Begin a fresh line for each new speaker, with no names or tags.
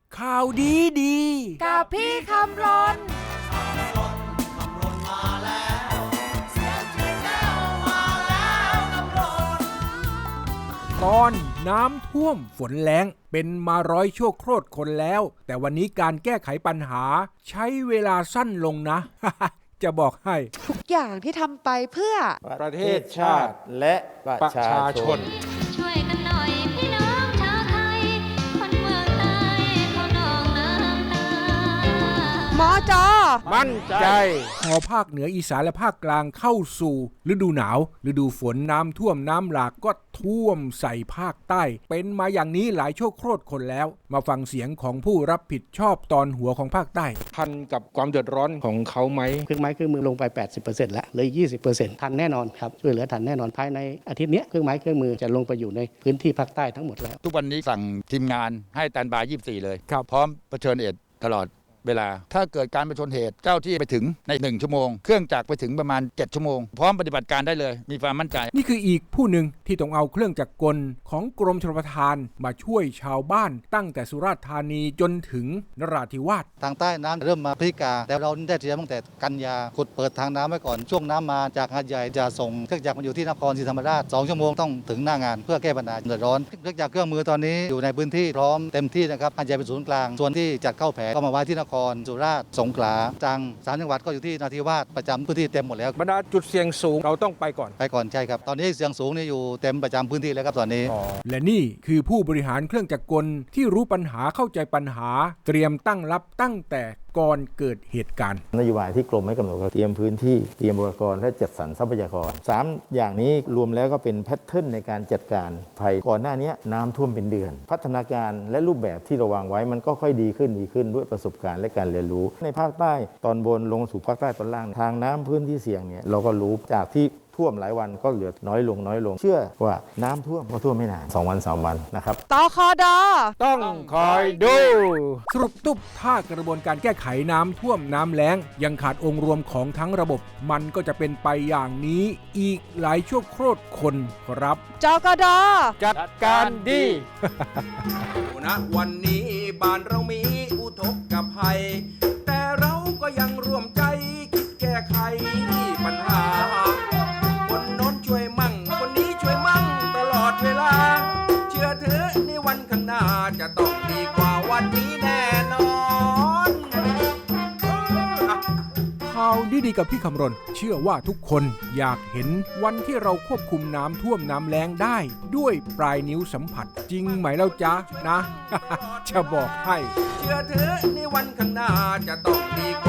ข่าวดีดี
กับพี่คำรน
ตอนน้ำท่วมฝนแล้งเป็นมาร้อยชั่วโคตรคนแล้วแต่วันนี้การแก้ไขปัญหาใช้เวลาสั้นลงนะ จะบอกให้
ทุกอย่างที่ทำไปเพื่อ
ประเทศชาติและประชาชน
ช่วยกันหน่อยพี่น้องชาวไทยคนเมืองใต้เขานองน้ำตา
หมอจอ
มั่นใจ
พอภาคเหนืออีสานและภาคกลางเข้าสู่ฤดูหนาวฤดูฝนน้ำท่วมน้ำหลากก็ท่วมใส่ภาคใต้เป็นมาอย่างนี้หลายชั่วโคตรคนแล้วมาฟังเสียงของผู้รับผิดชอบตอนหัวของภาคใต้
ทันกับความเดือดร้อนของเขาไหม
เครื่องไม้เครื่องมือลงไป 80% แล้วเลย 20% ทันแน่นอนครับช่วยเหลือทันแน่นอนภายในอาทิตย์นี้เครื่องไม้เครื่องมือจะลงไปอยู่ในพื้นที่ภาคใต้ทั้งหมดแล้ว
ทุกวันนี้สั่งทีมงานให้สแตนด์บาย 24 เลยพร้อมเผชิญเหตุตลอดเวลาถ้าเกิดการประชนเหตุเจ้าที่ไปถึงใน1ชั่วโมงเครื่องจักรไปถึงประมาณ7ชั่วโมงพร้อมปฏิบัติการได้เลยมีความมั่นใจ
นี่คืออีกผู้หนึ่งที่ต้องเอาเครื่องจักรกลของกรมชลประทานมาช่วยชาวบ้านตั้งแต่สุราษฎร์ธานีจนถึงนราธิวาส
ทางใต้น้ำเริ่มมาพฤศจิกาแต่เราได้เตรียมตั้งแต่กันยาขุดเปิดทางน้ำไว้ก่อนช่วงน้ำมาจากหาดใหญ่จะส่งเครื่องจักรมาอยู่ที่นครศรีธรรมราช2ชั่วโมงต้องถึงหน้างานเพื่อแก้ปัญหาเดือดร้อนเครื่องจักรเครื่องมือตอนนี้อยู่ในพื้นที่พร้อมเต็มที่นะครับหาดใหญ่เป็นศูนย์กลางส่วนที่จัดเข้าแผงก็มาไว้ที่นครสุราษฎร์สงขลาตรัง3จังหวัดก็อยู่ที่นราธิวาสประจำพื้นที่เต็มหมดแล้ว
บรรดาจุดเสี่ยงสูงเราต้องไปก่อน
ใช่ครับตอนนี้เสี่ยงสูงนี่อยู่เต็มประจำพื้นที่แล้วครับตอนนี้
และนี่คือผู้บริหารเครื่องจักรกลที่รู้ปัญหาเข้าใจปัญหาเตรียมตั้งรับตั้งแต่ก่อนเกิดเหตุการณ์
นโยบายที่กรมให้กำหนดเตรียมพื้นที่เตรียมอุปกรณ์และจัดสรรทรัพยากร3อย่างนี้รวมแล้วก็เป็นแพทเทิร์นในการจัดการภัยก่อนหน้านี้น้ำท่วมเป็นเดือนพัฒนาการและรูปแบบที่เราวางไว้มันก็ค่อยดีขึ้นด้วยประสบการณ์และการเรียนรู้ในภาคใต้ตอนบนลงสู่ภาคใต้ตอนล่างทางน้ำพื้นที่เสี่ยงเนี่ยเราก็รู้จากที่ท่วมหลายวันก็เหลือน้อยลงเชื่อว่าน้ำท่วมก็ท่วมไม่นาน2 วัน 3 วันนะครับ
ตคด
ต้องคอยดู
สรุปตุ๊บถ้ากระบวนการแก้ไขน้ำท่วมน้ำแล้งยังขาดองค์รวมของทั้งระบบมันก็จะเป็นไปอย่างนี้อีกหลายชั่วโคตรคนครับ
จกด
จัดการดี
ณวันนี้บ้านเรามีอุทกภัยแต่เราก็ยังร่วมใจคิดแก้ไขปัญหาคนโน้นช่วยมั่งคนนี้ช่วยมั่งตลอดเวลาเชื่อเถอะในวันข้างหน้าจะต้องดีกว่าวันนี้แน่นอนข่าวดีๆกับพี่คำรณเชื่อว่าทุกคนอยากเห็นวันที่เราควบคุมน้ำท่วมน้ำแล้งได้ด้วยปลายนิ้วสัมผัสจริงไหมเล่าจ๊ะนะ จะบอกให้เชื่อเถอะในวันข้างหน้าจะต้องดีกว่า